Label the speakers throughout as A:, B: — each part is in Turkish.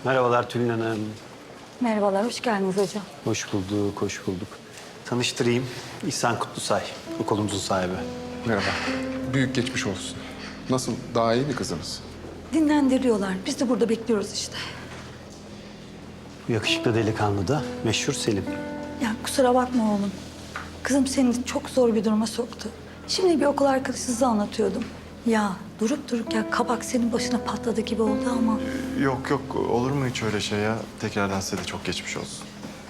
A: Merhabalar Tülin Hanım.
B: Merhabalar, hoş geldiniz hocam.
A: Hoş bulduk, hoş bulduk. Tanıştırayım. İhsan Kutlusay, okulumuzun sahibi.
C: Merhaba. Büyük geçmiş olsun. Nasıl? Daha iyi mi kızınız?
B: Dinlendiriyorlar. Biz de burada bekliyoruz işte.
A: Bu yakışıklı delikanlı da meşhur Selim.
B: Ya kusura bakma oğlum. Kızım seni çok zor bir duruma soktu. Şimdi bir okul arkadaşınıza anlatıyordum. Ya durup dururken kabak senin başına patladı gibi oldu ama.
D: Yok yok, olur mu hiç öyle şey ya? Tekrardan size de çok geçmiş olsun.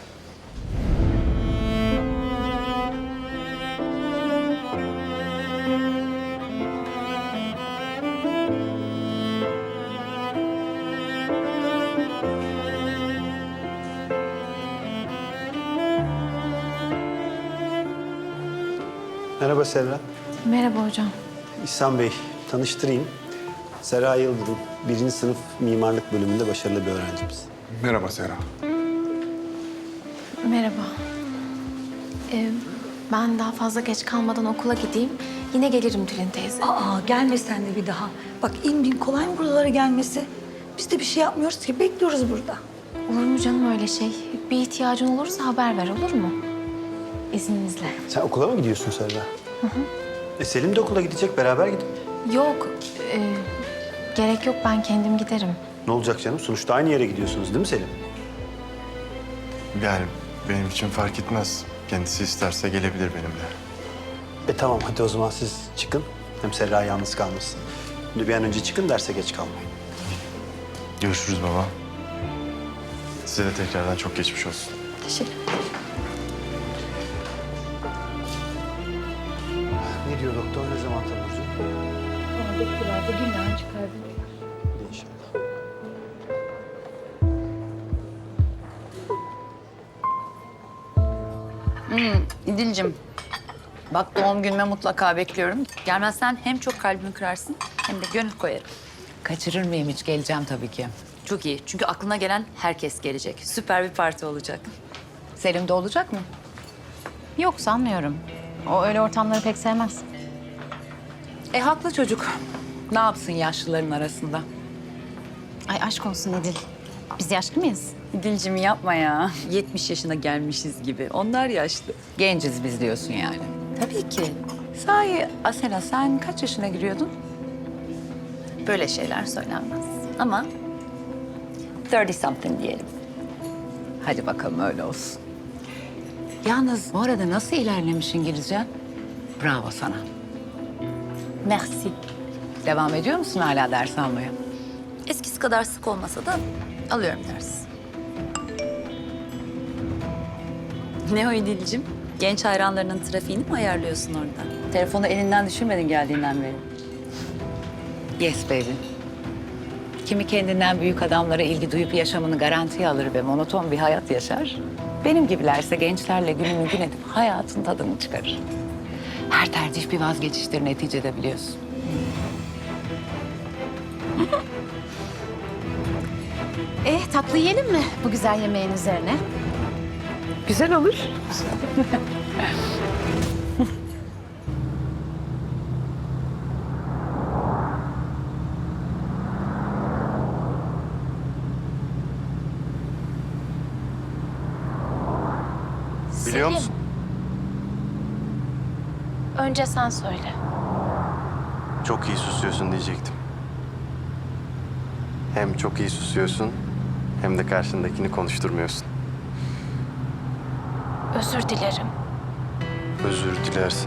A: Merhaba Serra.
E: Merhaba hocam.
A: İhsan Bey, tanıştırayım. Serra Yıldırım, 1. sınıf mimarlık bölümünde başarılı bir öğrencimiz.
C: Merhaba Serra.
E: Merhaba. Ben daha fazla geç kalmadan okula gideyim. Yine gelirim Tülin teyze.
B: Aa gelme sen de bir daha. Bak in bin kolay mı buralara gelmesi? Biz de bir şey yapmıyoruz ki bekliyoruz burada.
E: Olur mu canım öyle şey? Bir ihtiyacın olursa haber ver olur mu? İzninizle.
A: Sen okula mı gidiyorsun Serra? Selim de okula gidecek, beraber gidin.
E: Yok. Gerek yok ben kendim giderim.
A: Ne olacak canım? Sonuçta aynı yere gidiyorsunuz değil mi Selim?
D: Yani benim için fark etmez. Kendisi isterse gelebilir benimle.
A: Tamam, hadi o zaman siz çıkın. Hem Serra yalnız kalmasın. Şimdi bir an önce çıkın, derse geç kalmayın.
D: Görüşürüz baba. Size de tekrardan çok geçmiş olsun.
B: Teşekkür ederim.
A: Ne diyor doktor? Ne zaman tanıyorsun?
B: Bana bekliyorlar da günler çıkar.
A: İnşallah.
F: İdil'cim, bak doğum günüme mutlaka bekliyorum. Gelmezsen hem çok kalbimi kırarsın hem de gönül koyarım.
G: Kaçırır mıyım hiç? Geleceğim tabii ki.
F: Çok iyi çünkü aklına gelen herkes gelecek. Süper bir parti olacak.
G: Selim de olacak mı?
H: Yok sanmıyorum. O öyle ortamları pek sevmez.
G: Haklı çocuk. Ne yapsın yaşlıların arasında?
H: Ay aşk olsun Edil. Biz yaşlı mıyız?
F: İdil'cim yapma ya. 70 yaşına gelmişiz gibi. Onlar yaşlı.
G: Genciz biz diyorsun yani.
F: Tabii ki.
G: Sahi Asena sen kaç yaşına giriyordun?
F: Böyle şeyler söylenmez. Ama 30 something diyelim.
G: Hadi bakalım öyle olsun. Yalnız bu arada nasıl ilerlemiş İngilizcen? Bravo sana.
F: Merci.
G: Devam ediyor musun hala ders almaya?
F: Eskisi kadar sık olmasa da alıyorum ders. Ne o İdil'cim? Genç hayranlarının trafiğini mi ayarlıyorsun orada? Telefonu elinden düşürmedin geldiğinden beri.
G: Yes baby. Kimi kendinden büyük adamlara ilgi duyup yaşamını garantiye alır ve monoton bir hayat yaşar. Benim gibilerse gençlerle gününü gün edip hayatın tadını çıkarır. Her tercih bir vazgeçiştir neticede biliyorsun.
H: Tatlı yiyelim mi bu güzel yemeğin üzerine?
G: Güzel olur.
D: Biliyor musun?
E: Önce sen söyle.
D: Çok iyi susuyorsun diyecektim. Hem çok iyi susuyorsun hem de karşındakini konuşturmuyorsun.
E: Özür dilerim.
D: Özür dilersin.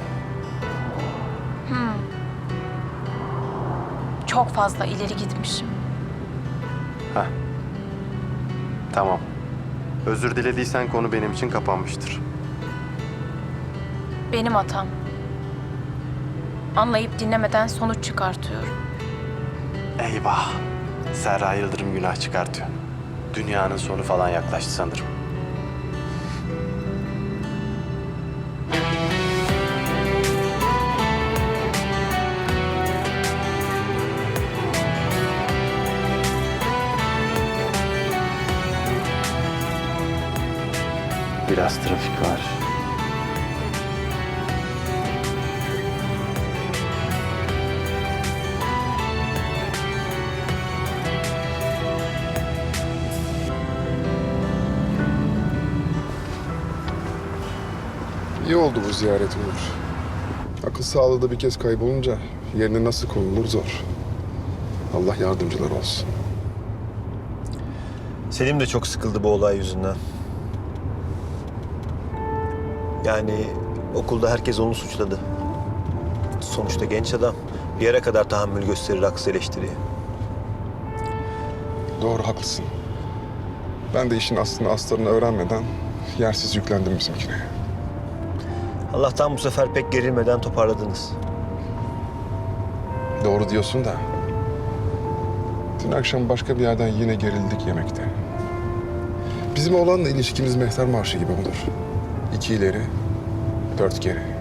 E: Çok fazla ileri gitmişim.
D: Heh. Tamam. Özür dilediysen konu benim için kapanmıştır.
E: Benim hatam. Anlayıp dinlemeden sonuç çıkartıyorum.
D: Eyvah. Serra Yıldırım günah çıkartıyor. Dünyanın sonu falan yaklaştı sanırım. Biraz trafik var.
C: İyi oldu bu ziyaret Onur. Akıl sağlığı da bir kez kaybolunca yerine nasıl konulur zor. Allah yardımcılar olsun.
I: Selim de çok sıkıldı bu olay yüzünden. Yani okulda herkes onu suçladı. Sonuçta genç adam. Bir yere kadar tahammül gösterir haksız eleştiriye.
C: Doğru, haklısın. Ben de işin aslını astarını öğrenmeden yersiz yüklendim bizimkine.
I: Allah'tan bu sefer pek gerilmeden toparladınız.
C: Doğru diyorsun da. Dün akşam başka bir yerden yine gerildik yemekte. Bizim oğlanla ilişkimiz mehter marşı gibi olur. 2 ileri, 4 geri.